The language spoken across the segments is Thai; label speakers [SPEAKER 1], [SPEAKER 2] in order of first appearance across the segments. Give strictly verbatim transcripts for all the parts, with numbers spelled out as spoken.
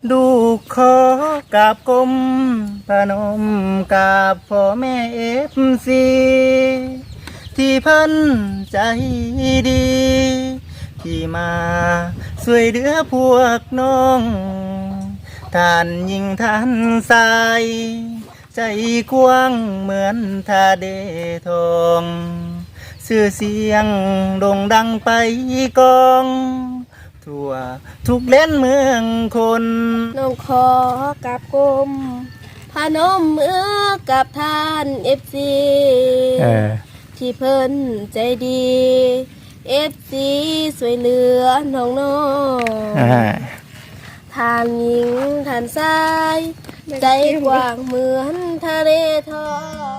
[SPEAKER 1] ดูขอกราบกรมพนมกราบพ่อแม่เอฟซีที่เพิ่นใจดี ที่มาช่วยเหลือพวกน้องท่านยิ่งท่านสายใจกว้างเหมือนทาเดทองชื่อเสียงโด่งดังไปกองทั่วทุกเล่นเมืองคน
[SPEAKER 2] น้องขอกับกรมพนมมือกับท่านเอฟซีที่เพิ่นใจดีเอฟซีสวยเหลือน้องน้องทานหญิงทานชายใจกว้างเหมือนทะเลทอง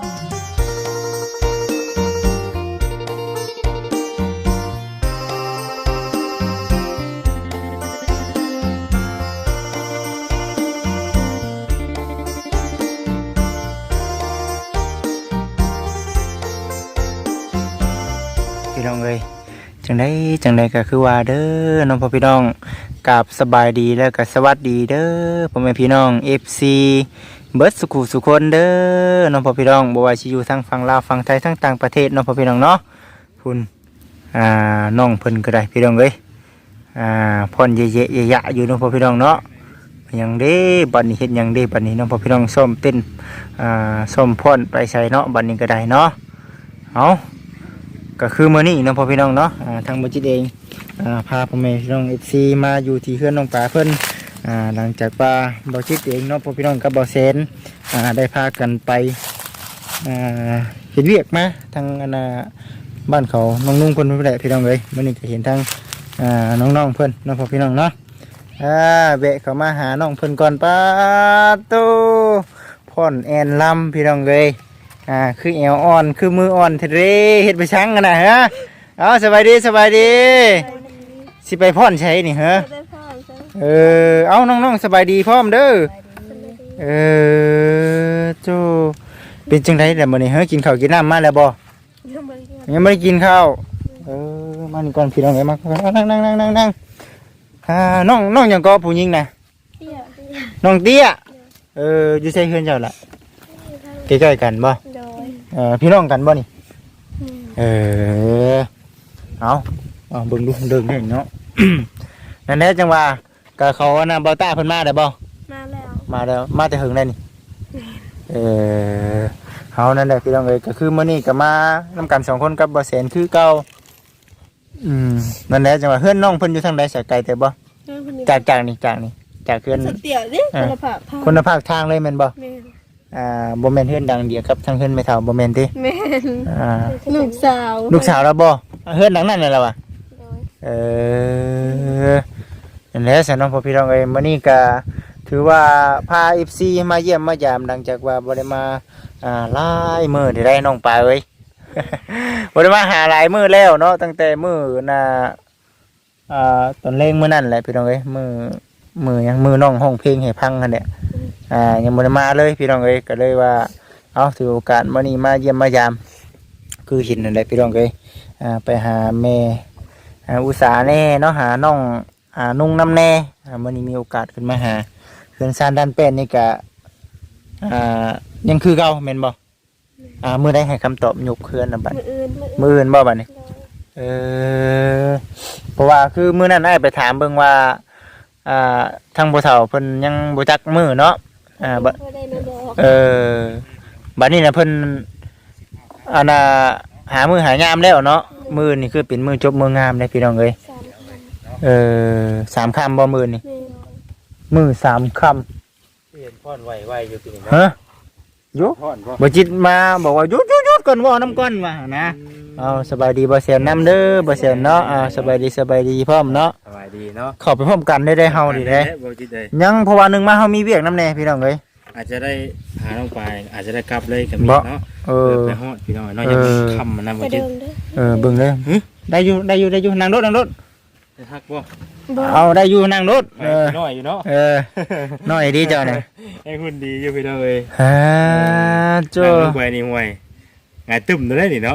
[SPEAKER 1] พี่น้องเอ้ยจังได้จังได้ก็คือว่าเด้อน้องพ่อพี่น้องกับสบายดีแล้วก็สวัสดีเด้อพ่อแม่พี่น้อง เอฟ ซี เบิดสุขุสุคนเด้อน้องพ่อพี่น้องบ่ว่าสิอยู่ทางฝั่งลาวฝั่งไทยทั้งต่างประเทศน้องพ่อพี่น้องเนาะคุณอ่าน้องเพิ่นก็ได้พี่น้องเอ้ยอ่าพ่นเยะๆยะๆอยู่น้องพ่อพี่น้องเนาะหยังเด้บัดนี้เฮ็ดหยังเด้บัดนี้น้องพ่อพี่น้องซ้อมเต้นอ่าซ้อมพ่นไปใส่เนาะบัดนี้ก็ได้เนาะเอาก็คือมื้อนี้น้องพ่อพี่น้องเนาะอ่าทางบ่จิตเองอ่าพาพ่อแม่พี่น้อง เอฟ ซี มาอยู่ที่เฮือนน้องปลาเพิ่นอ่าหลังจากว่าบ่จิตเองเนาะพ่อพี่น้องกับบ่แสนอ่าได้พากันไปอ่าเฮ็ดเวียกมาทางอันน่ะบ้านเขาน้องนุ่งเพิ่นเพิ่นแหละพี่น้องเอ้ยมื้อนี้ก็เห็นทางอ่าน้องๆเพิ่นน้องพ่อพี่น้องเนาะอ่าแวะเข้ามาหาน้องเพิ่นก่อนป้าโตพ่อนแอนลำพี่น้องเอ้ยอ่าคือแอวอ่อนคือมืออ่อนเทเรเฮ็ดไปชังกันน่ะฮะเอาสบายดีสบายดีสิไปพ่อนใช้นี่ฮะเออเอาน้องๆสบายดีพร้อมเด้อเออโจเป็นจังได๋ล่ะมื้อนี้เฮากินข้าวกินน้ำมาแล้วบ่ยังไม่ได้กินข้าวเออมานี่ก่อนพี่น้องเอ้ยมานั่งนั่งนั่งนั่งนั่งอ่าน้องน้องหยังก็ผู้หญิงน่ะน้องเตี้ยเอออยู่ใส่เฮือนเจ้าล่ะใกล้ๆกันบ่เออพี่น้องกันบ่นี่เออเอาเอาเบิ่งดูเดินได้เนาะ นั่นแหละจังว่าก็เขาน่ะบ่ต้าเพิ่นมาได้บ่
[SPEAKER 2] มาแล้ว
[SPEAKER 1] มาแล้วมาแต่หึงได้นี่เออเฮานั่นแหละพี่น้องเอ้ยก็คือมื้อนี้ก็มานำกันสองคนกับบ่แสนคือเก่าอืมนั่นแหละจังว่าเฮือนน้องเพิ่นอยู่ทางใดสายไกลแต่บ่จากจากนี่จากนี่จากเฮือน
[SPEAKER 2] สเตียดิคุณภาพ
[SPEAKER 1] คุณภาพทางเลยแม่นบ่
[SPEAKER 2] แม่น
[SPEAKER 1] อ่าบ่แม่นเฮือนดังเดียวกับทางเฮือนแม่เฒ่าบ่แม่นติ
[SPEAKER 2] แม่น
[SPEAKER 1] อ่า
[SPEAKER 2] ลูกสาว
[SPEAKER 1] ลูกสาวแล้วบ่เฮือนหลังนั้นน่ะล่ะว่ะเออนั่นแหละสนองพ่อพี่น้องเอ้ยมื้อนี้ก็ถือว่าพา เอฟ ซี มาเยี่ยมมายามหลังจากว่าบ่ได้มาอ่าหลายมื้อได้ได้น้องปลาเอ้ย บ่ได้มาหาหลายมื้อแล้วเนาะตั้งแต่มื้อน่ะอ่าตอนเล่งมื้อนั้นแหละพี่น้องเอ้ยมื้อมื้อหยังมื้อน้องร้องเพลงให้พังนั่นแหละอ่ายังบ่ได้มาเลยพี่น้องเอ้ยก็เลยว่าเอาถือโอกาสมื้อนี้มาเยี่ยมมายามคือเห็นนั่นแหละพี่น้องเอ้ยอ่าไปหาแม่อ่าอุตสาห์แน่เนาะหาน้องอ่านุ่งน้ำแน่อ่ามื้อนี้มีโอกาสขึ้นมาหาเขื่อนซานด้านแป้นนี่ก็อ่ายังคือเก่าแม่นบ่อ่ามื้อใดให้คำตอบยกเขื่อนน่ะบัด
[SPEAKER 2] มื้ออื่น
[SPEAKER 1] มื้ออื่นบ่บัดนี้เออเพราะว่าคือมื้อนั้นอ้ายไปถามเบิ่งว่าอ่าทางผู้เฒ่าเพิ่นยังบ่จักมื้อเนาะอ่าบ่เออบัดนี้น่ะเพิ่นอันน่ะหามื้อหายามแล้วเนาะมื้อนี่คือเป็นมื้อจบมื้องามเด้พี่น้องเอ้ยเออสามค่ำบ่มื้อนี่มื้อสามค่ำเห็นพ่อนไวๆอยู่พี่นี่ฮะอยู่บ่จิตมาบอกว่าหยุดๆๆก่อนว่านำก่อนว่านะเอาสบายดีบ่แซนนำเด้อบ่แซนเนาะอ่าสบายดีสบายดีพร้อมเนาะ
[SPEAKER 3] สบายดีเนาะ
[SPEAKER 1] เข้าไปพร้อมกันได้ได้เฮานี่เด้
[SPEAKER 3] บ่จิตได้
[SPEAKER 1] ยังเพราะว่านึงมาเฮามีเวียกนำแน่พี่น้องเอ้ย
[SPEAKER 3] อาจจะได้หาน้องปลายอาจจะได้กลับเลยก็มีเนาะ
[SPEAKER 1] เออ
[SPEAKER 3] ไปฮอดพี่น้องเนาะอย่าค่ำนำบ่จิต
[SPEAKER 1] เออเบิ่งเด้อได้อยู่ได้อยู่ได้อยู่นั่งรถนั่งรถ
[SPEAKER 3] ฮักบ่
[SPEAKER 1] เอาได้อยู่นั่งรถเออ
[SPEAKER 3] น้อยอยู่เนาะ
[SPEAKER 1] เออน้อยดีเจ้าเนี่ย
[SPEAKER 3] ให้คุณดีอยู่พี่น้องเอ้ย
[SPEAKER 1] ฮ่าจ้า
[SPEAKER 3] ไปนี่ห่วยงายตึมได้นี่เนาะ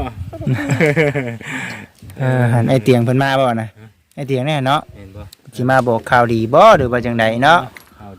[SPEAKER 1] เออหันไอเตียงเพิ่นมาบ่น่ะไอเตียงแน่เนาะ
[SPEAKER 3] เห็นบ่
[SPEAKER 1] สิมาบอกข่าวดีบ่หรือว่าจังไดเนาะ
[SPEAKER 3] ข่าวด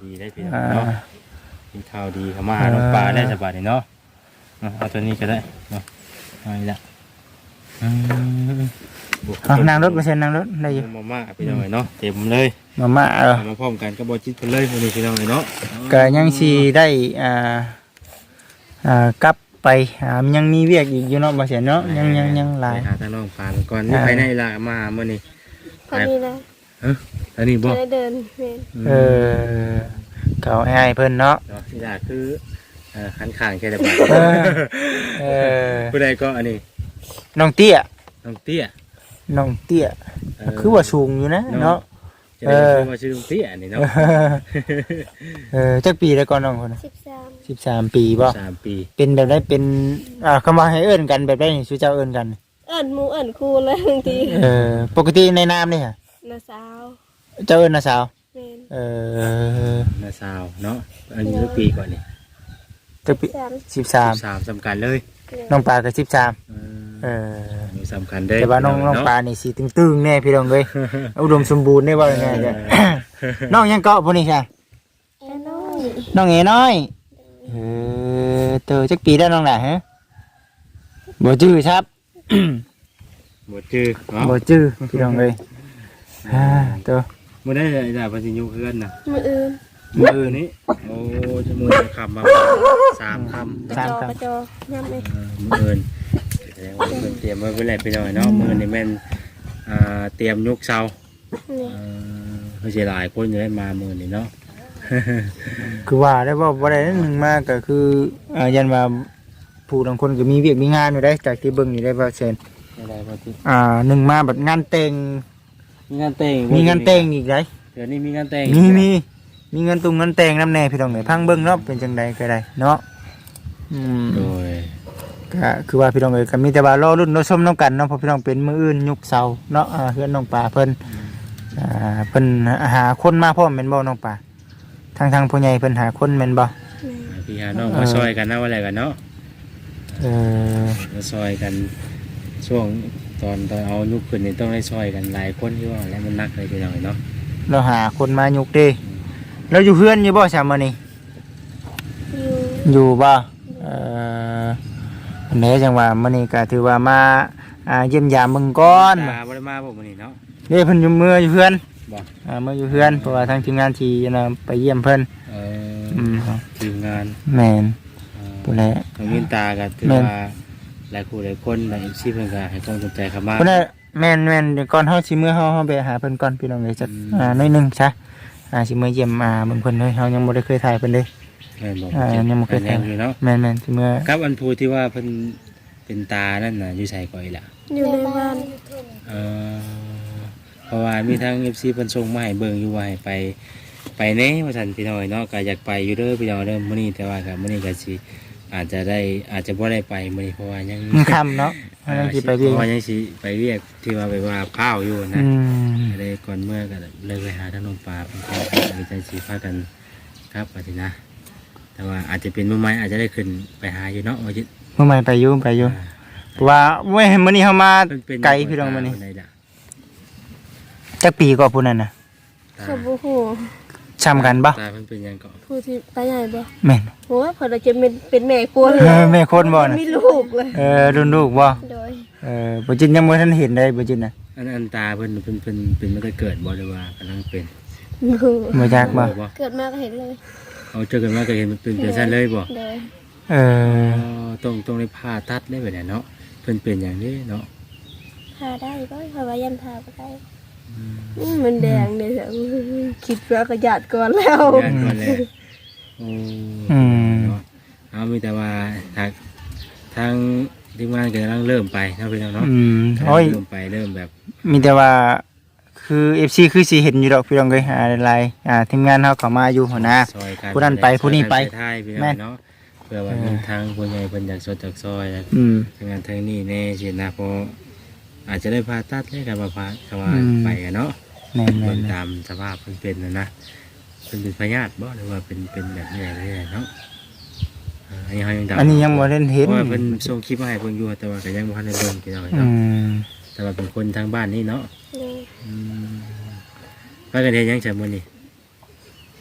[SPEAKER 3] ดีได้พี่น้อง
[SPEAKER 1] อ่า
[SPEAKER 3] เนาะมีข่าวดีเข้ามาหาน้องปลาได้สบายเนาะเอาเอาตัวนี้ก็ได้เนาะเอาอีกละอืม
[SPEAKER 1] เอานั่งรถไปเซ็นนั่งรถได้อยู่
[SPEAKER 3] มาม่าพี่น้องเนาะเต็มเลย
[SPEAKER 1] มาม่าเออ
[SPEAKER 3] เอามาพร้อมกันก็บ่จิตเพิ่นเลยมื้อนี้พี่น้องเนาะ
[SPEAKER 1] ก็ยังสิได้อ่าอ่ากลับไปอ่ามันยังมีเวียกอีกอยู่เนาะบ่เสียเนาะยังยังยังหลาย
[SPEAKER 3] ไปหาทางน้องปลาก่อนนี่
[SPEAKER 1] อ่า
[SPEAKER 3] ภายในละมามื้อนี้
[SPEAKER 2] พอดีนะ
[SPEAKER 3] เอ้ออันนี้บ่
[SPEAKER 2] จะได้เดินเวียน
[SPEAKER 1] เออเก่าให้เพิ่นเนาะ
[SPEAKER 3] เนาะที่ดาคือเอ่อคันข้างแค่ได้บ่
[SPEAKER 1] เออเออ
[SPEAKER 3] ผู้ใดก็อันนี้
[SPEAKER 1] น้องเตี้ย
[SPEAKER 3] น้องเตี้ย
[SPEAKER 1] น้องเตี้ย
[SPEAKER 3] เ
[SPEAKER 1] คือว่าสูงอยู่นะเนาะ
[SPEAKER 3] จะได้ชื่อว่าชื่อน้องเตี้ยนี่เนาะ
[SPEAKER 1] เออจักปีแล้วก่อนน้องคนน่ะ
[SPEAKER 2] สิบสาม
[SPEAKER 1] สิบสามปีบ่
[SPEAKER 3] สามปี
[SPEAKER 1] เป็นแบบได้เป็นอ่าคำว่าให้เอิ้นกันแบบได้นี่ชื่อเจ้าเอิ้นกัน
[SPEAKER 2] เอิ้นหมูเอิ้นครูเลยบางที
[SPEAKER 1] เออปกติในนามนี่ค่ะ
[SPEAKER 2] น้าสาว
[SPEAKER 1] เจ้าเอิ้นนะสาว
[SPEAKER 2] แม่น
[SPEAKER 1] เออ
[SPEAKER 3] นาซาวเนาะอายุกี่ปีก่อนนี่
[SPEAKER 1] จักปี
[SPEAKER 2] สาม
[SPEAKER 1] สิบสาม
[SPEAKER 3] สามสำคัญเลย
[SPEAKER 1] น้องปลาก็สิบสาม
[SPEAKER 3] เอ
[SPEAKER 1] เอ
[SPEAKER 3] อ
[SPEAKER 1] อ
[SPEAKER 3] อายุสำคัญเด้
[SPEAKER 1] แต่ว่าน้องน้องปลานี่สิตึงๆแน่พี่น้องเอ้ย อุดมสมบูรณ์ได้ว่ายังไงจ้ะ น้องยังเกาะพวกนี้ค่ะ
[SPEAKER 2] แอนน้อย
[SPEAKER 1] น้องเอ๋น้อยเออเตอจักปีได้น้องหล่ะฮะบ่จื้อครับ
[SPEAKER 3] หมดชื่อเนาะ
[SPEAKER 1] บ่จื้อพี่น้องเอ้ยอ่าเตอ
[SPEAKER 3] มื่อได้ได้ปัญญุเพื่อนนะ
[SPEAKER 2] มืออื่น
[SPEAKER 3] มือนี้โอ้จมูกจะคำมาสามคำ
[SPEAKER 2] กระจอกระจอย่ำเลย
[SPEAKER 3] เออมือเอินแสดงว่าเพิ่นเตรียมไว้เพื่ออะไรไปหน่อยเนาะมือนี่แม่นอ่าเตรียมยุกเสา
[SPEAKER 2] นี่
[SPEAKER 3] เออเขาเสียหลายคนอยู่ได้มามือนี่เนาะ
[SPEAKER 1] คือว่าได้ว่าบ่ได้นั่นหนึงมาก็คืออ่ายันว่าผู้บางคนก็มีเวียกมีงานอยู่ได้จากที่เบิ่งอยู่ได้ว่าเช่น
[SPEAKER 3] อะไรพอที่
[SPEAKER 1] อ่าหนึ่งมาแบบงานแต่ง
[SPEAKER 3] มีงานแต่ง
[SPEAKER 1] มีงานแต่งอีกได้
[SPEAKER 3] เดี๋ยวนี้มีงานแต่ง
[SPEAKER 1] มีมีมีเงินตุงเงินแต่งน้ำแน่พี่น้องเอ้ยพังเบิ่งเนาะเป็นจังใดก็ได้เนาะอืม
[SPEAKER 3] โดย
[SPEAKER 1] ก็คือว่าพี่น้องเอ้ยก็มีแต่ว่ารอรุ่นรอชมน้องกันเนาะเพราะพี่น้องเป็นมืออื่นยุคเสาเนาะอ่าเฮือนน้องปลาเพิ่นอ่าเพิ่นหาคนมาพร้อมแม่นบ่น้องปลาทางทางผู้ใหญ่เพิ่นหาคนแม่นบ่
[SPEAKER 3] พี่หาน้องมาซอยกันนะว่าอะไรกันเนาะ
[SPEAKER 1] เออ
[SPEAKER 3] มาซอยกันช่วงตอนตอนเอายุคขึ้นนี่ต้องได้ซอยกันหลายคนที่ว่าแล้วมันนักเลยพี่น้องเนาะ
[SPEAKER 1] เราหาคนมายุคเด้เราอยู่เฮือนอยู่บ่ซะมื้อนี้
[SPEAKER 2] อยู่
[SPEAKER 1] อยู่บ่เอ่ออันนี้จังว่ามื้อนี้ก็ถือว่ามาอ่าเยี่ยมยามเบิ่งก่อน
[SPEAKER 3] ตาบ่ได้มาบ่มื้อนี้เนาะ
[SPEAKER 1] เด้เพิ่นอยู่เมื่ออยู่เฮือน
[SPEAKER 3] บ่
[SPEAKER 1] อ่าเมื่ออยู่เฮือนเพราะว่าทางทีมงานที่น่ะไปเยี่ยมเพิ่น
[SPEAKER 3] เอ
[SPEAKER 1] อืม
[SPEAKER 3] อทีมงาน
[SPEAKER 1] แม่น
[SPEAKER 3] เอ่อ
[SPEAKER 1] ผู้ใด
[SPEAKER 3] น้องมินตาก็ถือ
[SPEAKER 1] แม่น
[SPEAKER 3] ว่าหลายคู่หลายคนหลาย เอฟ ซี เพิ่นก็ให้ความสนใจเข้ามา
[SPEAKER 1] เพิ่นน่ะแม่นแม่นเดี๋ยวก่อนเฮาสิมื้อเฮาเฮาไปหาเพิ่นก่อนพี่น้องเอ้ยจัก
[SPEAKER 3] อืม
[SPEAKER 1] อ่าหน้อยหนึงซะอ่าสิมื้อเยี่ยมอ่าเบิ่งเพิ่นเลยเฮายังบ่ได้เคยถ่ายเพิ่นเลย
[SPEAKER 3] แม่นบ่
[SPEAKER 1] อ่ายังบ่เคย
[SPEAKER 3] แน
[SPEAKER 1] ถ่ายว
[SPEAKER 3] อยู่เนาะ
[SPEAKER 1] แม่นแม่นสิมื้อ
[SPEAKER 3] ครับอันผู้ที่ว่าเพิ่นเป็นตานั่นน่ะอยู่ไสก่อยล่ะ
[SPEAKER 2] อยู่ในบ้าน
[SPEAKER 3] เออเพราะว่ามีทาง เอฟ ซี เพิ่นส่งมาให้เบิ่งอยู่ว่าให้ไปไปแหน่ว่าซั่นพี่น้อยเนาะก็อยากไปอยู่เด้อพี่น้องเด้อมื้อนี้แต่ว่าก็มื้อนี้ก็สิอาจจะได้อาจจะบ่ได้ไปมื้อนี้เพราะว่ายัง
[SPEAKER 1] มันค่ำเนาะเฮายังสิไปเรียน
[SPEAKER 3] เพราะว่ายังสิไปเรียกที่ว่าไปว่าข้าวอยู่นะ
[SPEAKER 1] อืม
[SPEAKER 3] ก็เลยก่อนเมื่อก็เลยไปหาทางน้องปลาเป็นข้าวมีใจสีพากันครับปฏินะ แต่ว่าอาจจะเป็นมือไม้อาจจะได้ขึ้นไปหาอยู่เนาะว่าจะ
[SPEAKER 1] เมื่อใหม่ไปอยู่ไปอยู่เพราะว่าเว้ยมื้อนี้เฮามา
[SPEAKER 3] เพิ่นเป็น
[SPEAKER 1] ไกลพี่น้องมื้อนี้
[SPEAKER 3] คใดล่ะ
[SPEAKER 1] จักปีก็ผู้นั้นน่ะ
[SPEAKER 3] ตา
[SPEAKER 2] ขบูฮู
[SPEAKER 1] ช้ำกันบ่
[SPEAKER 3] ตาเพิ่นเป็นหยังก็
[SPEAKER 2] ผู้ที่ไปใหญ่บ่
[SPEAKER 1] แม่น
[SPEAKER 2] โหพอเราจะเป็นเป็นแม่กลัวเล
[SPEAKER 1] เออแม่คนบ่น่ะ
[SPEAKER 2] มีลูกเลย
[SPEAKER 1] เออรุ่นลูกบ่
[SPEAKER 2] โดย
[SPEAKER 1] เออบ่จินยังบ่ทันเห็นได้บ่จินน่ะ
[SPEAKER 3] อันอันตาเพิ่นเพิ่นเพิ่นเป็นมาแต่เกิดบ่หรือว่ากำลังเป็น
[SPEAKER 2] ลูก
[SPEAKER 1] บ่จักบ่
[SPEAKER 3] บ่
[SPEAKER 2] เกิดมาก็เห็นเลย
[SPEAKER 3] เอาเจอกันมาก็เห็นมันเป็นเป็นซั่นเลยบ่
[SPEAKER 2] โดย
[SPEAKER 1] เออ
[SPEAKER 3] อ๋อต้องต้องได้ผ่าตัดได้แบบนี้เนาะเพิ่นเป็นอย่างนี้เนาะ
[SPEAKER 2] พาได้ก็เพราะว่ายันพาไปได้อืมมันแดงเลยเถอะคิดว่ากระยาดก่อนแล้ว
[SPEAKER 3] ญาติก่อนเลยโอ้
[SPEAKER 1] อืม
[SPEAKER 3] เนาะเอามีแต่ว่าทางทางทีมงานก็กำลังเริ่มไปเนาะพี่น้องเนาะ
[SPEAKER 1] อืมโอ้ย
[SPEAKER 3] เริ่มไปเริ่มแบบ
[SPEAKER 1] มีแต่ว่าคือ เอฟ ซี คือสิเห็นอยู่ดอกพี่น้องเอ้ยอ่าหลายๆอ่าทีมงานเฮาเข้ามาอยู่หัวหน้า
[SPEAKER 3] ซอยกัน
[SPEAKER 1] ผู้นั้นไปผู้นี้ไป
[SPEAKER 3] ซอยกันท้ายพี่น้
[SPEAKER 1] แม่
[SPEAKER 3] อน งเนาะเพื่อว่ามีทางผู้ใหญ่เพิ่นอยากสดจากซอยแล้ว
[SPEAKER 1] อืม
[SPEAKER 3] ทางงานทางนี้แน่สินะเพราะอาจจะได้ผ่าตัดได้กับว่าผ่ากับว่า
[SPEAKER 1] อืม
[SPEAKER 3] ไปกันเนาะ
[SPEAKER 1] แม่น
[SPEAKER 3] เบิ่ง
[SPEAKER 1] ๆ
[SPEAKER 3] ตามสภาพเพิ่นเป็นนะนะเพิ่นเป็นพยาธิบ่หรือว่าเป็นเป็นแบบนี้อะไรเนาะอ่าอันนี้เฮายัง
[SPEAKER 1] ๆอันนี้ยังบ่ได้เห็น
[SPEAKER 3] เพราะว่าเพิ่นส่งคลิปมาให้เพิ่นอยู่แต่ว่าก็ยังบ่ทันได้เบิ่งพี่น้อง
[SPEAKER 1] อื
[SPEAKER 3] เนาะ
[SPEAKER 1] ม
[SPEAKER 3] แต่ว่าเป็นคนทางบ้านนี่เนาะ
[SPEAKER 2] โดย
[SPEAKER 3] อืมว่ากันเฮ็ดหยังจ้ะมื้อนี้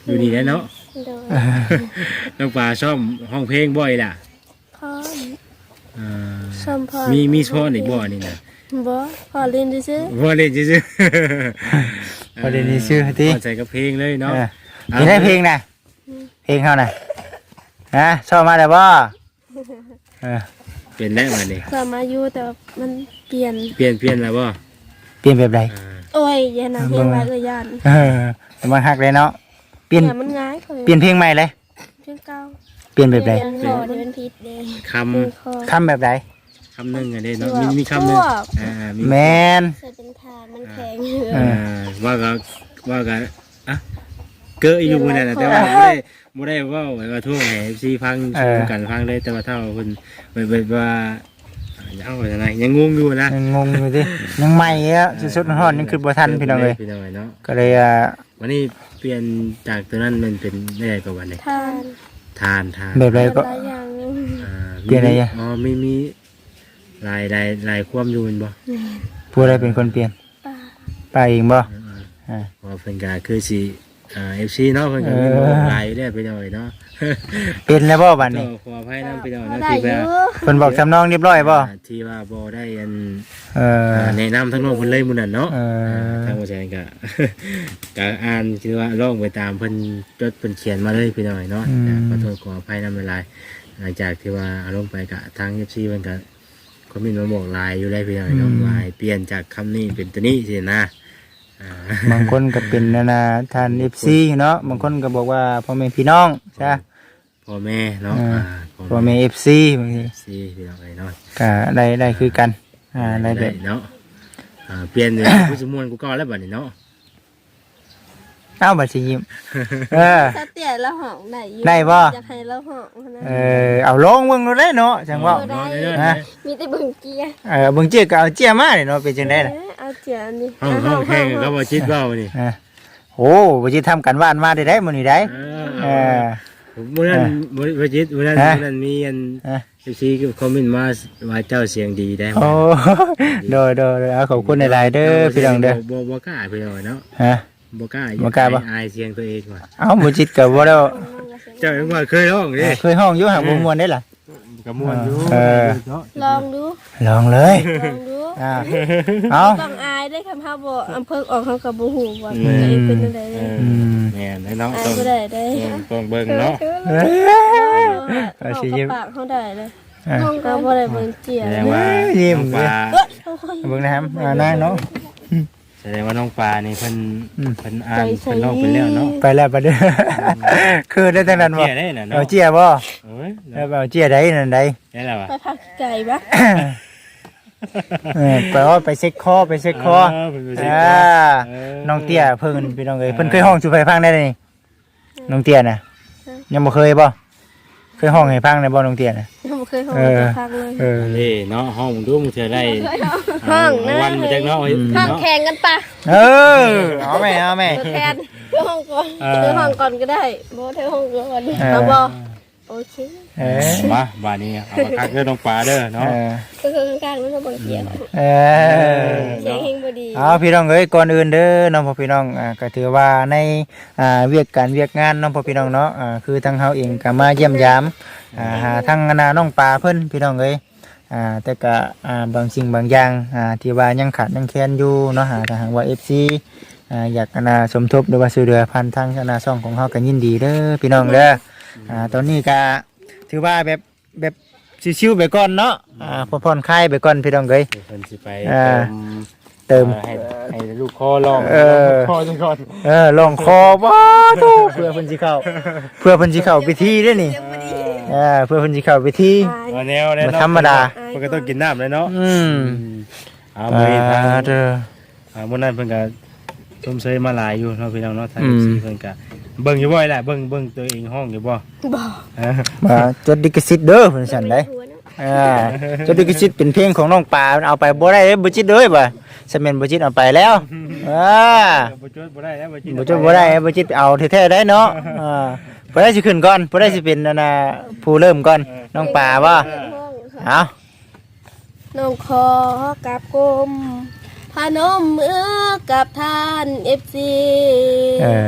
[SPEAKER 3] อยู่นี่แหละเนาะ
[SPEAKER 2] โดย
[SPEAKER 3] น้องปลาชอบห้องเพลงบ่อยล่ะ
[SPEAKER 2] พร้อม
[SPEAKER 3] อ่า
[SPEAKER 2] ชมพร
[SPEAKER 3] มีมีช้อนอีกบ่นี่นะ
[SPEAKER 2] บ่พอเล่นซื่อ
[SPEAKER 3] บ่เล่นซื่อ
[SPEAKER 1] บ่ได้นี่ชื่อติ
[SPEAKER 3] ใส่กับเพลงเลยเนาะ
[SPEAKER 1] เออมีได้เพลงน่ะเพลงเฮาน่ะฮะชอบมาแล้วบ่เออ
[SPEAKER 3] เป็นได้มานี่
[SPEAKER 2] ๆก็มาอยู่แต่ว่ามันเปลี่ยน
[SPEAKER 3] เปลี่ยนเปลี่ยนแล้วบ่
[SPEAKER 1] เปลี่ยนแบบใด
[SPEAKER 3] อ่า
[SPEAKER 2] โอ้ยอย่านะเพลงว่าเอ้ยย่าน
[SPEAKER 1] เออแต่มันฮักเลยเนาะเปลี่ยน
[SPEAKER 2] เนี่ยมันง่ายเขา
[SPEAKER 1] เปลี่ยนเพลงใหม่เลย
[SPEAKER 2] เพลงเก่า
[SPEAKER 1] เปลี่ยนแบบใด
[SPEAKER 2] เปลี่ยนคอเดี๋ยวเป็นผิดเด้
[SPEAKER 3] ค
[SPEAKER 2] เพลงคอ
[SPEAKER 1] คำแบบใด
[SPEAKER 3] ำคำหนึงอันนี้เนาะมีมีคำหนึงอ่ามี
[SPEAKER 1] แมน
[SPEAKER 2] ใส่เป็นทานมันแข็งอยู่
[SPEAKER 1] เอ
[SPEAKER 3] อ่าว่าก็ว่าก็อ่ะเกอะอยู่มื้อนั้นน่ะแต่ว่าบ่ได้บ่ได้เว้าให้ว่าทั่วให้ เอฟ ซี ฟังชมกันฟังเลยแต่ว่าถ้าว่าเพิ่นแบบว่าเอาว่าจังไดยังงงอยู่นะ
[SPEAKER 1] ยังงงอยู่ดิยังใหม่อ่ะสุดๆร้อนๆยังคือบ่ทันพี่น้องเลย
[SPEAKER 3] พี่น้องเนาะ
[SPEAKER 1] ก็เลยอ่า
[SPEAKER 3] วันนี้เปลี่ยนจากตัวนั้นมันเป็นได้กว่าวันนี้
[SPEAKER 2] ทาน
[SPEAKER 3] ทานทาน
[SPEAKER 1] แบบใดก็
[SPEAKER 2] หลายอย่างอยู่
[SPEAKER 3] อ่า
[SPEAKER 1] เปลี่ยนอะไรอ่ะ
[SPEAKER 3] อ๋อมีมีลายลายลายความอยู่แมันบ่
[SPEAKER 1] ผู้ใดเป็นคนเปลี่ยน
[SPEAKER 2] ป้า
[SPEAKER 1] ป้าเองบ่อ่า
[SPEAKER 3] เพราะเพิ่นก็คือสิอ่า เอฟ ซี เนาะเพิ่นก็มีบอกลายอยู่แล้วไปหน่อยเนาะ
[SPEAKER 1] เป็นแล้วบ่บัด
[SPEAKER 3] เจ้า
[SPEAKER 1] นี้
[SPEAKER 3] ขออภัยนำไปหน่อย
[SPEAKER 2] พอ
[SPEAKER 3] เนาะ
[SPEAKER 2] ได้
[SPEAKER 3] ที่
[SPEAKER 2] อ
[SPEAKER 3] ว่า
[SPEAKER 2] ยู่
[SPEAKER 1] เพิ่นบอกสำนองเรียบร้อยบ่
[SPEAKER 3] อ่าที่ว่าบ่ได้อัน
[SPEAKER 1] เออ
[SPEAKER 3] อ่าแนะนำทั้งน้องเพิ่นเลยมื้อนั้นเนาะ
[SPEAKER 1] เออ
[SPEAKER 3] ทางบ่แซนก็ ก็อ่านคือว่าร้องไปตามเพิ่นจดเพิ่นเขียนมาเลยพี่น้อยเนาะขอโทษขออภัยนำหลายๆหลังจากที่ว่าเอาลงไปก็ทาง เอฟ ซี เพิ่นก็คอมเมนต์มาบอกลายอยู่ได้พี่น้อยเนาะลายเปลี่ยนจากคำนี้เป็นตัวนี้สินะอ่า
[SPEAKER 1] บางคนก็เป็นนานาท่าน เอฟ ซี เนาะบางคนก็บอกว่าพ่อแม่พี่น้องใช่
[SPEAKER 3] พ่อแม่เนาะ
[SPEAKER 1] อ่า
[SPEAKER 3] อ่า
[SPEAKER 1] พ่อแม่ เอฟ ซี บางที
[SPEAKER 3] ซีพี่น้องเลยเนาะ
[SPEAKER 1] ก็ได้ได้คือกันอ่าได้แบบ
[SPEAKER 3] เนาะอ่าเปลี่ยนเลยผู้สมมวนกูก็แล้วบัดนี้เนาะ
[SPEAKER 1] เอ้าบัดสิยิ้มเออ
[SPEAKER 2] ถ้าเตี้ยแล้วห้องได้อยู่
[SPEAKER 1] ได้บ่
[SPEAKER 2] อยากให้เราห้องนะ
[SPEAKER 1] เออเอาลงเบิ่งดูได้เนาะจังว่า
[SPEAKER 3] เนาะเนาะ
[SPEAKER 1] ฮะ
[SPEAKER 2] มีแต่เบิ่งเกียร์
[SPEAKER 1] เออเบิ่งเจี๊ยก็เอาเจี๊ยมาเด้เนาะเป็นจังได๋ล่ะ
[SPEAKER 2] เอ้ยเอาเจียอันนี้
[SPEAKER 3] ห้องห้องแข่งก็บ่ชิดเว้านี่
[SPEAKER 1] อ่าโอ้บ่สิทำกันบ้านมาได้ได้มื้อนี้ได้
[SPEAKER 3] เอ
[SPEAKER 1] เอ
[SPEAKER 3] อ
[SPEAKER 1] อ
[SPEAKER 3] มื้อนั้นบ่บ่ชิดมื้อนั้น
[SPEAKER 1] ฮะ
[SPEAKER 3] มื้อนั้นมีอัน
[SPEAKER 1] ฮะ
[SPEAKER 3] เอฟซีก็คอมเมนต์มาว่าเจ้าเสียงดีได้
[SPEAKER 1] โอ้โดยโดยเอาขอบคุณหลายๆเด้อพี่น้องเด้อ
[SPEAKER 3] บ่บ่กล้าพี่น้องเนาะ
[SPEAKER 1] ฮะ
[SPEAKER 3] บ่กล้า
[SPEAKER 1] บ่กล้าบ่
[SPEAKER 3] อายเสียงตัวเองว่ะ
[SPEAKER 1] เอ้าบ่จิตก็บ่ได้
[SPEAKER 3] เจ้ายังว่าเคยร้องดิ
[SPEAKER 1] เคยห้องอยู่หางบ่ม่วนได้ล่ะ
[SPEAKER 3] ก็ม่วนอยู่
[SPEAKER 1] เออ
[SPEAKER 3] เนาะ
[SPEAKER 2] ลองดู
[SPEAKER 1] ลองเลย
[SPEAKER 2] ลองดู
[SPEAKER 1] อ่าเอา
[SPEAKER 2] ต้องอายได้คำพาบ่อำเภอออกเขากับบ่ฮู้ว่าตัวเองเป็นจังได
[SPEAKER 3] เอ
[SPEAKER 2] เลย
[SPEAKER 3] อแม่นเนาะ
[SPEAKER 2] อาย
[SPEAKER 3] ต้อง
[SPEAKER 2] บ่ได้ได้
[SPEAKER 3] ต้องเบิ่งเนาะ
[SPEAKER 2] เอาสิยิ้มปากเขาได้เลย
[SPEAKER 1] อ่า
[SPEAKER 2] ก็บ่ได้เบิ่งเจีย
[SPEAKER 3] แสดงว่า
[SPEAKER 1] ยิ้ม
[SPEAKER 3] น้องปลา
[SPEAKER 1] เบิ่งนะครับอ่านางเนาะ
[SPEAKER 3] แสดงว่าน้องปลานี่เพิ่น
[SPEAKER 1] อืม
[SPEAKER 3] เพิ่นอ่านเพิ่นร้องไปแล้วเนาะ
[SPEAKER 1] ไปแล้วบัดเด้อคือได้ทั้งนั้นบ่
[SPEAKER 3] เจียได้น่ะ
[SPEAKER 1] เอา
[SPEAKER 3] เนาะ
[SPEAKER 1] เจียบ่
[SPEAKER 3] เอ้ย
[SPEAKER 1] แล้วเอาเจียใดนั่นใด
[SPEAKER 3] ได้แล้วอ่ะ
[SPEAKER 2] ไปพักไก่บ่
[SPEAKER 1] เออไปว่าไปเช็คคอไปเช็คคอ
[SPEAKER 3] เเพิ่นไปเช็ค
[SPEAKER 1] อ่า
[SPEAKER 3] เออ
[SPEAKER 1] น้องเตี้ยเพิ่นพี่น้องเอ้ยเพิ่นเคยห้องสู่ไฟฟังได้เลยนี่น้องเตี้ยน่ะยังบ่เคยบ่เคยห้องให้ฟังได้บ่น้องเตี้ยน่ะ
[SPEAKER 2] ยังบ่เคยห้อง
[SPEAKER 1] เออ
[SPEAKER 2] จะพักเลย
[SPEAKER 1] เออ
[SPEAKER 3] นี่เนาะห้องมึงดูมึงจะได้
[SPEAKER 2] ห้องนะ
[SPEAKER 3] าวันมาจากเนาะ
[SPEAKER 2] ห้อง
[SPEAKER 3] เนาะ
[SPEAKER 2] แข่งกันปะ
[SPEAKER 1] เออเอาแม่เอาแม่
[SPEAKER 2] ตัวแทนเพื่อห้องก่อน
[SPEAKER 3] เออ
[SPEAKER 2] เพื่อห้องก่อนก็ได้บ่เธอห้องก่อน
[SPEAKER 1] เออ
[SPEAKER 2] เอาบ่โอเค
[SPEAKER 1] เออ
[SPEAKER 3] มาบ้านนี้เอามาคักเด้อน้องปลาเด้อ
[SPEAKER 1] เอ
[SPEAKER 3] เนาะ
[SPEAKER 1] อ
[SPEAKER 2] ก็คือข้างๆนั่นก็บ่เกียด
[SPEAKER 1] เออ
[SPEAKER 2] เสียงเฮงบ่ดี
[SPEAKER 1] เอาพี่น้องเอ้ยก่อนอื่นเด้อน้องพ่อพี่น้องอ่าก็ถือว่าในอ่าเวียกการเวียกงานน้องพ่อพี่น้องเนาะอ่าคือทางเฮาเองก็มาเยี่ยมยามอ่าหาทางนาน้องปลาเพิ่นพี่น้องเอ้ยอ่าแต่ก็อ่าบางสิ่งบางอย่างอ่าที่ว่ายังขาดยังแคลนอยู่เนาะหาทางว่า เอฟ ซี อ่าอยากนาสมทบหรือว่าช่วยเหลือพันทางนาช่องของเฮาก็ยินดีเด้อพี่น้องเด้ออ่าตอนนี้ก็ถือว่าแบบแบบชิวๆไปก่อนเนาะอ่าผ่อนคลายไปก่อนพี่น้องเอ้ย
[SPEAKER 3] เพิ่นสิไป
[SPEAKER 1] อ่า
[SPEAKER 3] เติม
[SPEAKER 1] เติม
[SPEAKER 3] ให้ให้ลูกคอลอง
[SPEAKER 1] เออ
[SPEAKER 3] คอจังก่อน
[SPEAKER 1] เออลองคอบ่ทูเพื่อเพิ่นสิเข้าเพื่อเพิ่นสิเข้าพิธีเด้อนี่เออเพื่อเพิ่นสิเข้าพิธี
[SPEAKER 3] ว่าแนวแนว
[SPEAKER 1] บ่ธรรมดา
[SPEAKER 3] เพิ่นก็ต้องกินน้ำเลยเนาะ
[SPEAKER 1] อืม
[SPEAKER 3] เอา
[SPEAKER 1] อ่า
[SPEAKER 3] ไปทาง
[SPEAKER 1] เด้อ
[SPEAKER 3] อ่ามื้อนั้นเพิ่นก็ชมเชยมาหลายอยู่เนาะพี่น้องเนาะทาง
[SPEAKER 1] อืม
[SPEAKER 3] ซีเพิ่นก็เบิ่งอยู่บ่อยแหละเบิ่งเบิ่งตัวเองห้องอยู่บ่
[SPEAKER 2] บ่
[SPEAKER 3] เออ
[SPEAKER 1] มาจดลิขสิทธิ์เด้อเพิ่นสั่นได้อ่าจดลิขสิทธิ์เป็นเพลงของน้องปลาเอาไปบ่ได้เด้อบ่จิตเด้อบ่สแม่นบ่จิตเอาไปแล้วอ่า
[SPEAKER 3] บ่จดบ่ได้แล้วบ่จิ
[SPEAKER 1] บ่จะบ่ได้บ่จิตเอาแท้ๆได้เนาะอ่าบ่ได้สิขึ้นก่อนบ่ได้สิเป็นนั่นน่ะผู้เริ่มก่อนน้องป่าบ่เอา
[SPEAKER 2] น้องขอกับกลมพานมมือกับท่าน เอฟ ซี
[SPEAKER 1] เออ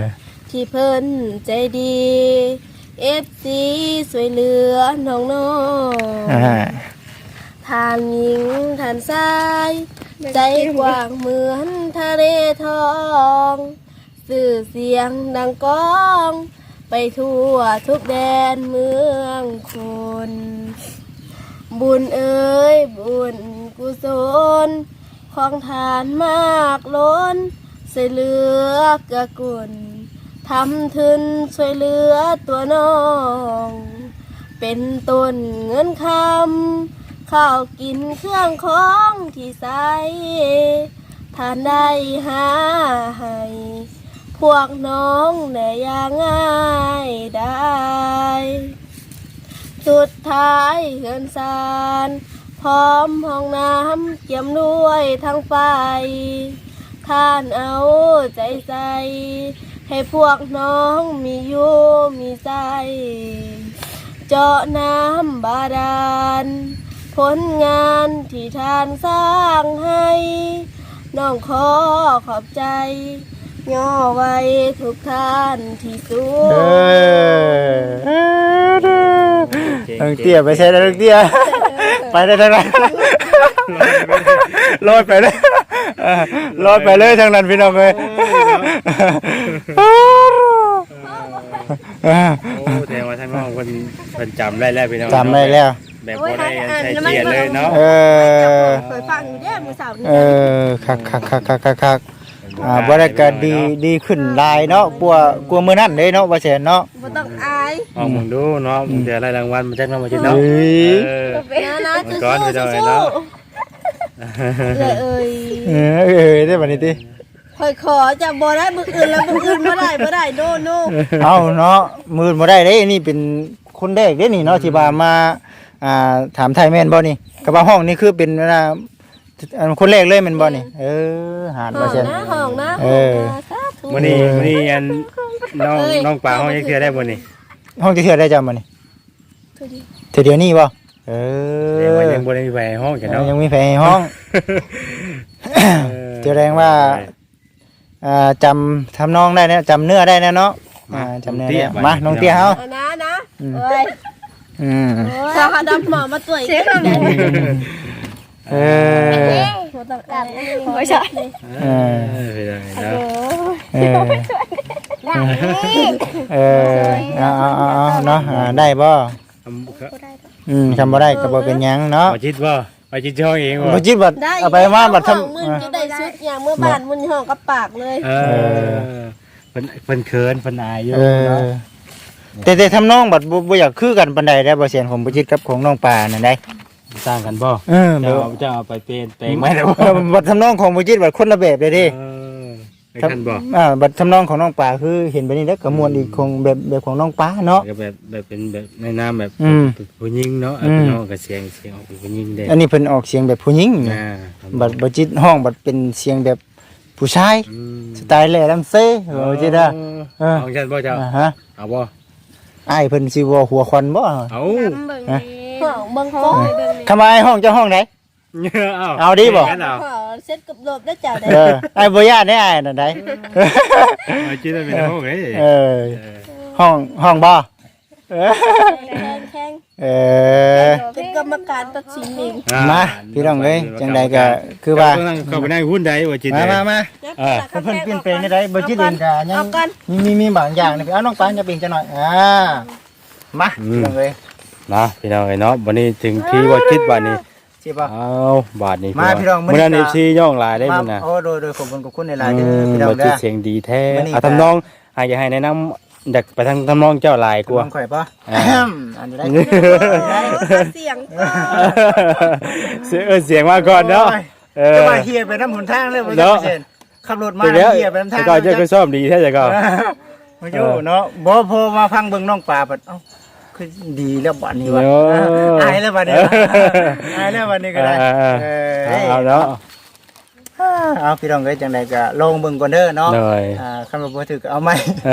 [SPEAKER 2] ที่เพิ่นใจดี เอฟ ซี สวยเหลือน้องน้อง
[SPEAKER 1] อ่า
[SPEAKER 2] ทานหญิงทานชายใจกว้างเหมือนทะเลทองสื่อเสียงดังก้อง ไปทั่วทุกแดนเมืองคน บุญเอ๋ยบุญกุศลของทานมากล้นช่วยเหลือกะกุลทำทุนช่วยเหลือตัวน้อง เป็นต้นเงินคำข้าวกินเครื่องของที่ใส่ทานได้หาให้พวกน้องได้อย่างง่ายได้ สุดท้ายเฮือนซานพร้อมห้องน้ำเกี่ยมด้วยทั้งไฟท่านเอาใจใส่ให้พวกน้องมีอยู่มีใจ เจาะน้ำบาดาลผลงานที่ท่านสร้างให้น้องขอขอบใจย่อไว้ทุกท่านที่สู
[SPEAKER 1] เอง อน้องเตี้ยไปใช้แล้วน้องเตี้ยไปได้ทางนั้นลอยไปเลยเออลอยไปเลยทางนั้นพี่น้องเอ้ย
[SPEAKER 3] โอ้แสดงว่าทั้งน้องเพิ่นเพิ่นจำได้แล้วพี่น้อง
[SPEAKER 1] จำได้แล้ว
[SPEAKER 3] แบบบ่ได้ใช้เกียรเลยเนาะ
[SPEAKER 1] เออ
[SPEAKER 2] เคยฟังอยู่เด้อมื้อเช้านี้
[SPEAKER 1] เออคักคักคักคักคักคักอ่าบ่ได้ก็ดีดีขึ้นหลายเนาะกลัวกลัวมื้อนั้นเด้เนาะว่าแซ่นเนาะ
[SPEAKER 2] บ่ต้องอาย
[SPEAKER 3] เอามึงดูเนาะมึงจะได้รางวัลมาจากน้องมาจิต
[SPEAKER 1] เฮ้
[SPEAKER 3] เนาะ
[SPEAKER 1] ย
[SPEAKER 3] เออ
[SPEAKER 2] นะนะ
[SPEAKER 3] มั
[SPEAKER 2] จะ
[SPEAKER 3] นก้อน
[SPEAKER 2] สู้
[SPEAKER 3] ไปหน่
[SPEAKER 2] จะ
[SPEAKER 3] อย
[SPEAKER 2] สู้
[SPEAKER 3] เนาะ
[SPEAKER 2] เลยเอ้ย
[SPEAKER 1] เออเออได้บัดนี้ติ
[SPEAKER 2] คอยขอจะบ่ได้มื้ออื่นแล้วมื้ออื่นบ่ได้บ่ได้โนโน
[SPEAKER 1] เอาเนาะมื้อบ่ได้เด้นี่เป็นคนแรกเด้นี่เนาะที่ว่ามาอ่าถามไทยแม่นบ่นี่ก็ว่าห้องนี่คือเป็นอ่าอันคนแรกเลยแม่นบ่นี่เออหาด
[SPEAKER 2] ห้
[SPEAKER 1] ว่า
[SPEAKER 2] อง
[SPEAKER 1] แซ่น
[SPEAKER 2] นะห้องนะ
[SPEAKER 1] เออ
[SPEAKER 2] สาธุ
[SPEAKER 3] มื้อนี้มื้อนี้อันน้องน้องปลาห้องยังเทื่อได้บ่นี่
[SPEAKER 1] ห้องจะเทื่อได้จ้ะมื้อนี้
[SPEAKER 2] ทุดี
[SPEAKER 1] เทื่อเดียวนี้บ่เอ
[SPEAKER 3] เดี๋ยว
[SPEAKER 1] อ
[SPEAKER 3] มันยังบ่ได้มีแหวห้องกันเนาะ
[SPEAKER 1] ยังมีแผลในห้องแสดงว่าอ่าจำทำนองได้นะจำเนื้อได้นะเนาะอ่าจำเนื้อได้มาน้องเตี้ยเฮา
[SPEAKER 2] เอานะนะเอ้ย
[SPEAKER 1] อืม
[SPEAKER 2] ถ้าเขาดำหมอมาตรวจเช็คหน่อย
[SPEAKER 1] เออ
[SPEAKER 2] บ่ต้องอายโอ้ยใช่
[SPEAKER 1] เออ
[SPEAKER 3] เออไปเลยเนาะ
[SPEAKER 1] เออเออเอาเอาเอาเอาเนาะอ่าได้บ่
[SPEAKER 3] ทำครับ
[SPEAKER 1] อืมทำบ่ได้ก็บ่เป็นหยังเนาะ
[SPEAKER 3] มาจิตบ่มาจิตช่องเองบ่
[SPEAKER 1] บ่จิตบัด
[SPEAKER 2] ได้
[SPEAKER 1] เอาไปมาบัดทำ
[SPEAKER 2] ห้องมึนจะได้ชุดอย่างเมื่อบ้านมึนห้องกับปากเลย
[SPEAKER 3] เออเพิ่นเพิ่นเขินเพิ่นอายอยู่
[SPEAKER 1] เออ
[SPEAKER 3] เนาะ
[SPEAKER 1] แต่แต่ทำนองบัดบ่บ่อยากคือกันปานใดได้บ่เสียนของบ่จิตกับของน้องปลานั่นได้
[SPEAKER 3] สร้างกันบ่
[SPEAKER 1] เออ
[SPEAKER 3] จะ
[SPEAKER 1] บ่
[SPEAKER 3] เอาจะเอาไปเป็นแปลงไหมแต่
[SPEAKER 1] เอ
[SPEAKER 3] ว่า
[SPEAKER 1] อบัดทำนองของบ่จิตบัดคนละแบบเลยเด้
[SPEAKER 3] เออไปกันบ่
[SPEAKER 1] อ่าบัดทำนองของน้องปลาคือเห็นไปนี่แล้วก็ม่วนอีกของแบบแบบของน้องปลาเนาะ
[SPEAKER 3] ก็แบบแบบเป็นแบบในนามแบบ
[SPEAKER 1] อืม
[SPEAKER 3] ผู้หญิงเนาะ
[SPEAKER 1] อืม
[SPEAKER 3] พี่น้องก็เสียงเสียงออกเป็นผู้หญิงเด้
[SPEAKER 1] อันนี้เพิ่นออกเสียงแบบผู้หญิง
[SPEAKER 3] อ่า
[SPEAKER 1] บัดบ่จิตห้องบัดเป็นเสียงแบบผู้ชาย
[SPEAKER 3] อืม
[SPEAKER 1] สไตล์แหล่ลำเซ่บ่จิตอ่ะ เออ
[SPEAKER 3] ของฉันบ่เจ้า
[SPEAKER 1] อ่าฮะ
[SPEAKER 3] เอาบ่
[SPEAKER 1] อ้ายเพิ่นสิว่าหัวควันบ่
[SPEAKER 3] เอา
[SPEAKER 2] ห้องเบิ่งโป๊ะ
[SPEAKER 1] คำว่าอ้ายห้องเจ้าห้องไหน
[SPEAKER 3] เอา
[SPEAKER 1] เอาดิบ่
[SPEAKER 3] งั้นเอา
[SPEAKER 2] ห้องเซ็ตกับหลบได้จ้าได้
[SPEAKER 1] เอออ้ายบ่ญาติได้อ้ายนั่นได้
[SPEAKER 3] เอาจิตเป็นห้องเอ้ย
[SPEAKER 1] เออห้องห้องบ่เออ
[SPEAKER 2] แข่งแข่ง
[SPEAKER 1] เออ
[SPEAKER 2] เป็นกรรมการตัดสินเอง
[SPEAKER 3] อ่
[SPEAKER 1] มาพี่น้องเอ้ยจังใดก็คือว่า
[SPEAKER 3] เจ้ต้องเข้าไปในหุ้นใดว่าจิต
[SPEAKER 1] มามามา
[SPEAKER 3] เออ
[SPEAKER 1] เพิ่นเปลี่ยนแปลงได้บ่จิตเองก็ยั
[SPEAKER 2] เอา
[SPEAKER 1] ง
[SPEAKER 2] กัน
[SPEAKER 1] มีมีมีบางอย่างนี่เอาน้องปานจะเปลี่ยนจังหน่อยอ่ามาพี่น้องเอ้ย
[SPEAKER 3] นะพี่น้องเอ้ยเนาะวันนี้ถึงที่ว่าจิตบัดนี้
[SPEAKER 1] สิบ่
[SPEAKER 3] เอาบาทนี้
[SPEAKER 1] มาพี่น้องมื้
[SPEAKER 3] มื้
[SPEAKER 1] อ
[SPEAKER 3] อ
[SPEAKER 1] นี้
[SPEAKER 3] นั้น
[SPEAKER 1] ก็
[SPEAKER 3] เอฟซีย่องหลายได้
[SPEAKER 1] มา
[SPEAKER 3] มื้อน่ะ
[SPEAKER 1] โอ้โดยโดยขอบคุณขอบคุณหลายๆเด้
[SPEAKER 3] อื
[SPEAKER 1] อ
[SPEAKER 3] ม
[SPEAKER 1] พี่น้อง
[SPEAKER 3] บ่
[SPEAKER 1] เด้
[SPEAKER 3] จิต
[SPEAKER 1] อ
[SPEAKER 3] เสียงดีแท้
[SPEAKER 1] มื้อนี้
[SPEAKER 3] เอา
[SPEAKER 1] ก็
[SPEAKER 3] ทำนองให้อยากให้แนะนำอยากไปทางทำนองเจ้าหลายกว่า
[SPEAKER 1] น้องข่อยป่ะ
[SPEAKER 3] อ่า
[SPEAKER 1] อันนี้ได้
[SPEAKER 2] เสียง
[SPEAKER 3] เสียงเออเสียงมาก่อนเนาะเออ
[SPEAKER 1] จะมาเฮียไปน้ำหนทางเลยบ่
[SPEAKER 3] เนาะ
[SPEAKER 1] เซ็นขับรถมา
[SPEAKER 3] เดี๋ยว
[SPEAKER 1] เฮียไปน้ำทาง
[SPEAKER 3] แต่ก่อนเจ้าก็ซ่อมดีแท้แต่ก่อน
[SPEAKER 1] มาอยู่เนาะบ่พอมาฟังเบิ่งน้องปลาบัดเอ้าคือดีแล้วบัดนี้วะ
[SPEAKER 3] เนาะ
[SPEAKER 1] อายแล้วบัดนี้วะอายแล้วบัดนี้ก็ได้
[SPEAKER 3] เออ
[SPEAKER 1] เอ
[SPEAKER 3] เอา
[SPEAKER 1] อ
[SPEAKER 3] เอาเนาะ
[SPEAKER 1] เอาพี่น้องเอ้ยจังไดก็ลองเบิ่งก่อนเด้อเนาะ
[SPEAKER 3] หน่อย
[SPEAKER 1] อ่าคันว่าบ่ถือก็เอาใหม่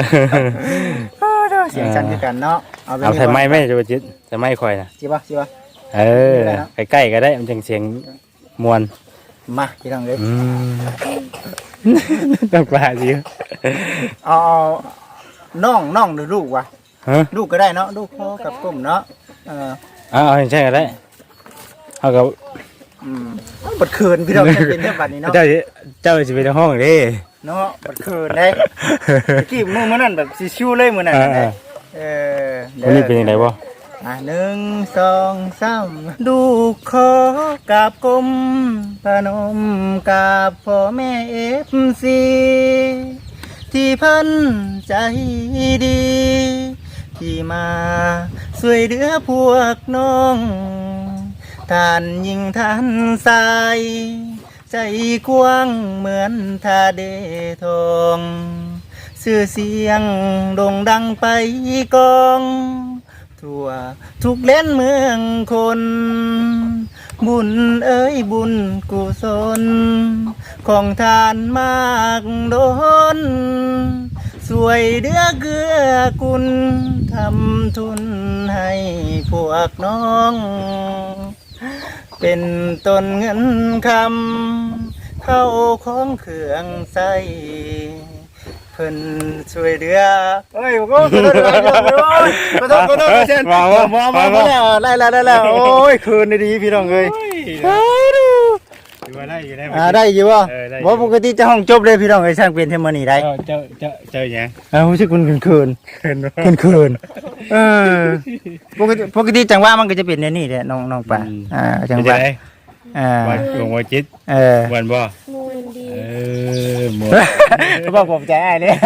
[SPEAKER 1] เสียงสั่นคือกันเนาะเอาไป
[SPEAKER 3] เอาใส่ไม้ไหมจะจิตใส่ไม้คอยนะ
[SPEAKER 1] สิบ่สิบ่
[SPEAKER 3] เออใกล้ๆก็ได้มันจังเสียงมวน
[SPEAKER 1] มาพี่น้องเอ้ย
[SPEAKER 3] อืมต้องปลาสิ
[SPEAKER 1] เอาเอาน้องน้องหรือลูกวะ
[SPEAKER 3] ฮะ
[SPEAKER 1] ลูกก็ได้เนาะลูกพ่อกับกลุ่มเนาะเออ
[SPEAKER 3] เอาเอาใช่ก็ได้เอากับ
[SPEAKER 1] อืมบัดคืนพี่น้องจะเป็นเรื่องบัดนี้เนาะ
[SPEAKER 3] เจ้าสิเจ้าสิไปในห้องเด้
[SPEAKER 1] เนาะบัดคืนได้ตะกี้มื้อมื้อนั้นแบบสิชิวเลยมื้อนั้น
[SPEAKER 3] อ่า
[SPEAKER 1] ได้เออ
[SPEAKER 3] วันนี้เป็นยังไงบ่
[SPEAKER 1] อ่ะหนึ่งสองสามลูกขอกราบกรมพนมกราบพ่อแม่เอฟซีที่เพิ่นใจดี ที่มาช่วยเหลือพวกน้องท่านยิ่งท่านสายใจกว้างเหมือนทาเดทองชื่อเสียงโด่งดังไปกองทั่วทุกเล่นเมืองคน บุญเอ้ยบุญกุศลของทานมากโดนสวยเดือเกื้อกุลทำทุนให้พวกน้อง เป็นต้นเงินคำเข้าของเครื่องใส่เพิ่นช่วยเหลือเฮ้ยผมก็ขอโทษหลายเรื่องเลยโอ้ยขอโทษขอโทษขอโทษมองมองมองแล้วไล่แล้วได้แล้วโอ้ยคืนดีพี่น้องเอ้ย
[SPEAKER 3] ถือว่าได้อยู่ได้
[SPEAKER 1] อ่าได้อยู่บ่
[SPEAKER 3] เออได้อยู่
[SPEAKER 1] บ่ปกติจะห้องจบเลยพี่น้องเอ้ยช่างเป็นเทมอนี่ได้
[SPEAKER 3] เจ้าเจ้าเจ้าเจ้าหยัง
[SPEAKER 1] อ่ารู้สึกคุณคืนคืน
[SPEAKER 3] เห็นบ่
[SPEAKER 1] คืนคืนเออปกติปกติจังหวะมันก็จะเป็นในนี่แหละน้องน้องป่าอ่าจังหวะอ่า
[SPEAKER 3] วันหลวงวันจิต
[SPEAKER 1] เออ
[SPEAKER 3] วันบ่
[SPEAKER 2] มวนดี
[SPEAKER 3] เออหมด
[SPEAKER 1] เขาบอกผมใจอ้ายเนี่ย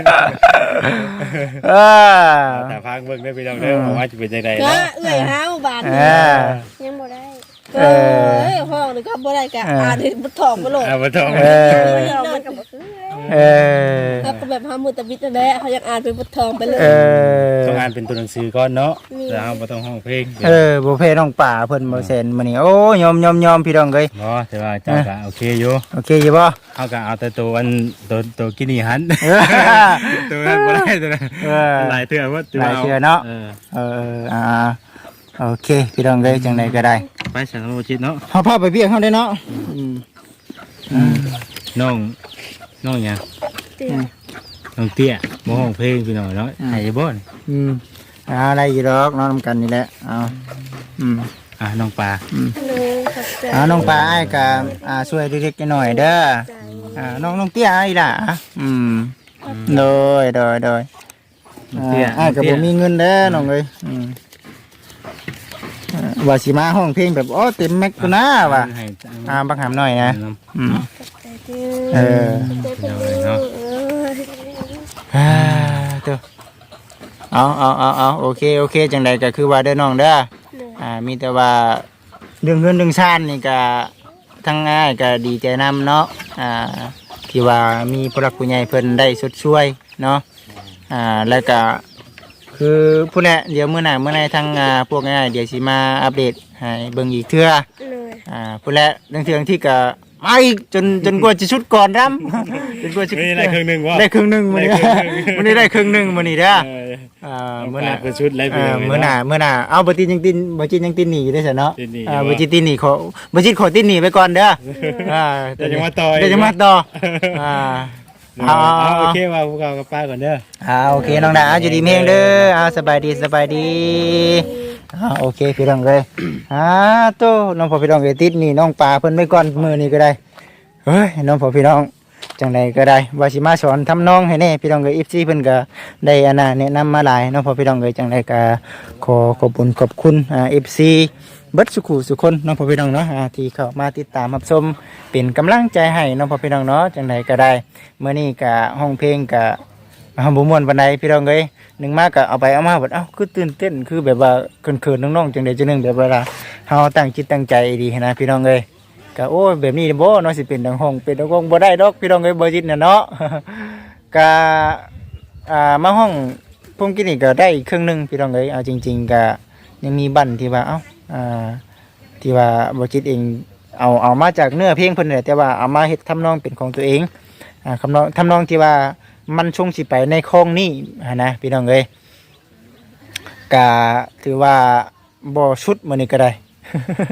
[SPEAKER 1] เออ
[SPEAKER 3] แต่พังเบิ่งได้พี่น้องเด้อว่าจะเป็นจังได๋
[SPEAKER 2] ก็
[SPEAKER 3] เนาะ
[SPEAKER 2] เอื้อยห้าวบาน
[SPEAKER 1] เอ
[SPEAKER 2] นี่
[SPEAKER 1] อ
[SPEAKER 2] ยังบ่ได้
[SPEAKER 1] เอ
[SPEAKER 2] เอ้
[SPEAKER 1] อ
[SPEAKER 2] ยห้องนี่ก็บ่ได้กะ
[SPEAKER 1] เอออ่
[SPEAKER 2] อ่านให้บ่ทองบ่โลด
[SPEAKER 3] เอามาทอง
[SPEAKER 1] เออ
[SPEAKER 2] มันก็บ่คือ
[SPEAKER 1] เออ
[SPEAKER 2] แล้วก็แบบหามือตะบิดนั่นแหละเขาอยากอ่านเป็นบ่ทองไปเลย
[SPEAKER 1] เออ
[SPEAKER 3] ต้องอ่านเป็นตัวหนังสือก่อนเนาะแล้วเราบ่ต้องห้องเพลง
[SPEAKER 1] เออบ่เพน้องป่าเพิ่นบ่เซ็นมื้อนี้โอ้ยอมยอมยอมพี่น้องเอ้ย
[SPEAKER 3] เนาะแต่ว่าเจ้าก็โอเคอยู่
[SPEAKER 1] โอเคอยู่บ่
[SPEAKER 3] เฮาก็เอาแต่ตัวอันตัวตัวกินี่หัน
[SPEAKER 1] เออ
[SPEAKER 3] ตัวนั้นบ่ได้ตัวนั้น
[SPEAKER 1] เออ
[SPEAKER 3] หลายเทื่อว่า
[SPEAKER 1] หลายเทื่อเนาะ
[SPEAKER 3] เออ
[SPEAKER 1] เอออ่าโอเคพี่น้องเอ้ยจังไดก็ได้
[SPEAKER 3] ไปสังโลจิตเนาะ
[SPEAKER 1] เฮาพาไปเวียกเฮาได้เนาะอืมอืม
[SPEAKER 3] น้องน้องหยัง
[SPEAKER 2] เตี้ย
[SPEAKER 3] น้องเตี้ยบ่ห้องเพลงพี่น้องเนาะให้บ่น
[SPEAKER 1] อืมอ่าได้อยู่ดอกนอนนำกันนี่แหละเอาอืม
[SPEAKER 3] อ่ะน้องปลา
[SPEAKER 1] อืม
[SPEAKER 2] เลยขอบใจ
[SPEAKER 1] อ่าน้องปลาอ้ายก็อ่าช่วยเล็กๆน้อยๆเด้อ
[SPEAKER 2] ใจ
[SPEAKER 1] อ่าน้องน้องเตี้ยอ้ายล่ะอืมโดยโดยโดย
[SPEAKER 3] น้องเตี้ย
[SPEAKER 1] อ้ายก็บ่มีเงินเด้อน้องเอ้ยอืมอ่าว่าสิมาห้องเพลงแบบโอ้เต็มแม็กซ์ตัวนะว่ะ
[SPEAKER 3] ให้
[SPEAKER 1] อ่าบักหามหน่อยนะอืม
[SPEAKER 2] ใจเด้อ
[SPEAKER 1] เออ
[SPEAKER 2] ใจเพิ่นเด้อเออ
[SPEAKER 1] อ่าเด้อเอาเอาเอาเอาโอเคโอเคจังใดก็คือว่าเด้อน้องเด้ออ่ามีแต่ว่าเรื่องเงินเรื่องชาตินี่ก็ทั้งง่ายก็ดีใจนำเนาะอ่าที่ว่ามีผู้หลักผู้ใหญ่เพิ่นได้ชดช่วยเนาะอ่าแล้วก็คือผู้แหละเดี๋ยวมื้อหน้ามื้อไหนทางอ่าพวกง่ายๆเดี๋ยวสิมาอัปเดตให้เบิ่งอีกเทื่อ
[SPEAKER 2] เลย
[SPEAKER 1] อ่าผู้แหละเรื่องเทื่อที่ก็มาอีกจนจนกว่าจะชุดก่อนรำ จนกว่าจะ
[SPEAKER 3] นี่ได้ครึ่งหนึงวะ
[SPEAKER 1] ได้ครึ่งหนึ่งมื้อนี้ มื้อนี้ได้ครึ่งหนึ่งมื้อนี้เด้อ
[SPEAKER 3] เออ
[SPEAKER 1] อ่า
[SPEAKER 3] น้อง
[SPEAKER 1] มื้อ
[SPEAKER 3] ป
[SPEAKER 1] ห
[SPEAKER 3] ลา
[SPEAKER 1] น้า
[SPEAKER 3] เป็นชุดไร
[SPEAKER 1] เอ
[SPEAKER 3] พี่น้
[SPEAKER 1] อ
[SPEAKER 3] อง
[SPEAKER 1] มื้อหน้ามื้อหน้าเอาบ่ติดยังตินบ่จิตยังตินหนีอยู่ได้ซะเนาะ
[SPEAKER 3] ติดหนี
[SPEAKER 1] อ่า
[SPEAKER 3] อยู่
[SPEAKER 1] บ่
[SPEAKER 3] บ่
[SPEAKER 1] จิตตินหนีขอบ่จิตขอตินหนีไปก่อนเด้ออ่า
[SPEAKER 3] เดี๋ยวจะมาต่อ
[SPEAKER 1] เดี๋ยวจะมาต่ออ่า
[SPEAKER 3] เอา
[SPEAKER 1] เอา
[SPEAKER 3] โอ
[SPEAKER 1] เอา
[SPEAKER 3] เคว่าพวกเรากับป้าก่อนเด้อ
[SPEAKER 1] อ่าโอเคน้องดาอยู่ดีมีแรงเด้ออ่าสบายดีสบายดีอ่าโอเคพี่น้องเอ้ยอ่าโตน้องพ่อพี่น้องเอ้ยติดหนี่น้องปลาเพิ่นไปก่อนมื้อนี้ก็ได้เฮ้ยน้องพ่อพี่น้องจังใดก็ได้ว่าสิมาสอนทำนองให้แน่พี่น้องเอ้ย เอฟ ซี เพิ่นก็ได้อันน่ะแนะนำมาหลายน้องพ่อพี่น้องเอ้ยจังใดก็ขอขอบคุณขอบคุณอ่า เอฟ ซี เบิดสุขุสุคนน้องพ่อพี่น้องเนาะอ่าที่เข้ามาติดตามรับชมเป็นกำลังใจให้น้องพ่อพี่น้องเนาะจังใดก็ได้มื้อนี้ก็ห้องเพลงก็เฮาบ่ม่วนปานใดพี่น้องเอ้ยหนึงมาก็เอาไปเอามาบัดเอ้าคือตื่นเต้นคือแบบว่าเขินๆน้องๆจังใดจังหนึงแบบว่าเฮาตั้งจิตตั้งใจดีนะพี่น้องเอ้ยก็โอ้ยแบบนี้บ่เนาะสิเป็นดังห้องเป็นดังห้องบ่ได้ดอกพี่น้องเอ้ยบ่จิตน่ะเนาะ ก็อ่ามาห้องผมกินนี่ก็ได้ครึ่งหนึงพี่น้องเอ้ยเอาจริงๆก็ยังมีบั้นที่ว่าเอ้าอ่า ที่ว่าบจิตเองเอาเอามาจากเนื้อเพลงเพิ่นนี่แหละแต่ว่าเอามาเฮ็ดทำนองเป็นของตัวเองอ่าคำนองทำนองที่ว่ามันชงสิไปในคลองนี้หั้นนะพี่น้องเอ้ยก็ถือว่าบ่ชุดมื้อนี้ก็ได้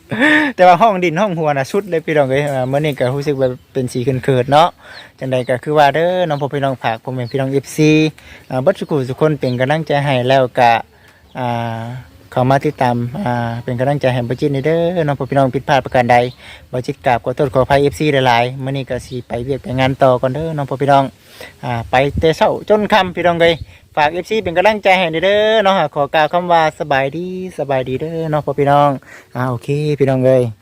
[SPEAKER 1] แต่ว่าห้องดินห้องหัวน่ะสุดเลยพี่น้องเอ้ยอ่ามื้อนี้ก็รู้สึกว่าเป็นสีเขินๆเนาะจังใดก็คือว่าเด้อน้องพ่อพี่น้องฝากพ่อแม่พี่น้อง เอฟ ซี อ่าเบิดทุกผู้ทุกคนเป็นกำลังใจให้แล้วก็อ่าเข้ามาติดตามอ่าเป็นกำลังใจให้บ่จิตนี่เด้อน้องพ่อพี่น้องผิดพลาดประการใดบ่จิตกราบขอโทษขออภัย เอฟ ซี หลายๆมื้อนี้ก็สิไปเวียกไปงานต่อก่อนเด้อน้องพ่อพี่น้องอ่าไปแต่เช้าจนค่ำพี่น้องเอ้ยฝาก เอฟ ซี เป็นกำลังใจให้เด้อเนาะขอกล่าวคำว่าสบายดีสบายดีเด้อน้องพ่อพี่น้องอ่าโอเคพี่น้องเอ้ย